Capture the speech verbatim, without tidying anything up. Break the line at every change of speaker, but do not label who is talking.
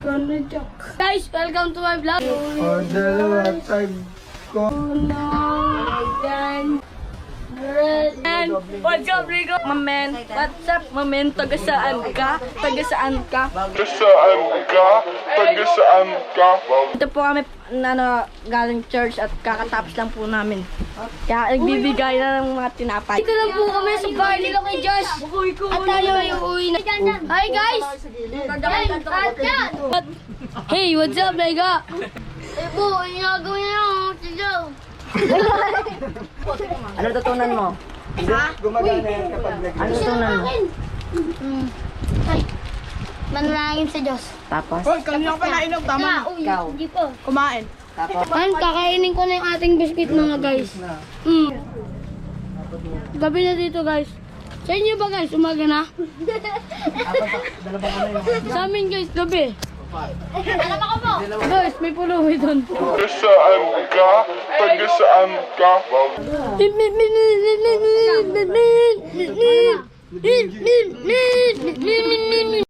Guys, welcome to my vlog.
O, dalawa, tag ko.
And what's up, Rico? Mamen, what's up, mamen? Taga saan ka? Taga saan ka?
Tagasaan ka? Tagasaan ka?
Ito po kami, ano, galing church at kakatapos lang po namin. Kaya nagbibigay na ng mga tinapay. Dito lang po kami sa bahay nila kay Josh. At tayo ay uuwi na. Hi guys! What? Hey, what's up, Mega? Eh po, ang gagawin niyo si Joe.
Ano tutunan mo?
Gumagana yan kapag nag-
Ano tutunan mo?
Hmm. Ay, manalangin sa Diyos.
Tapos?
Hoy, kanina pa nainom, tama na.
Ikaw.
Hindi po.
Kumain.
Tapos?
Ayun, kakainin ko na yung ating biscuit mga guys. Mm. Gabi na dito guys. Sa inyo ba guys? Umaga na? Sa amin guys, gabi. Alam ako po. Guys, may puluwi doon.
Tagasaan ka? Tagasaan ka?
Min, min, min, min, min, min, min, min, min, min, min, min, min, min, min, min, min, min.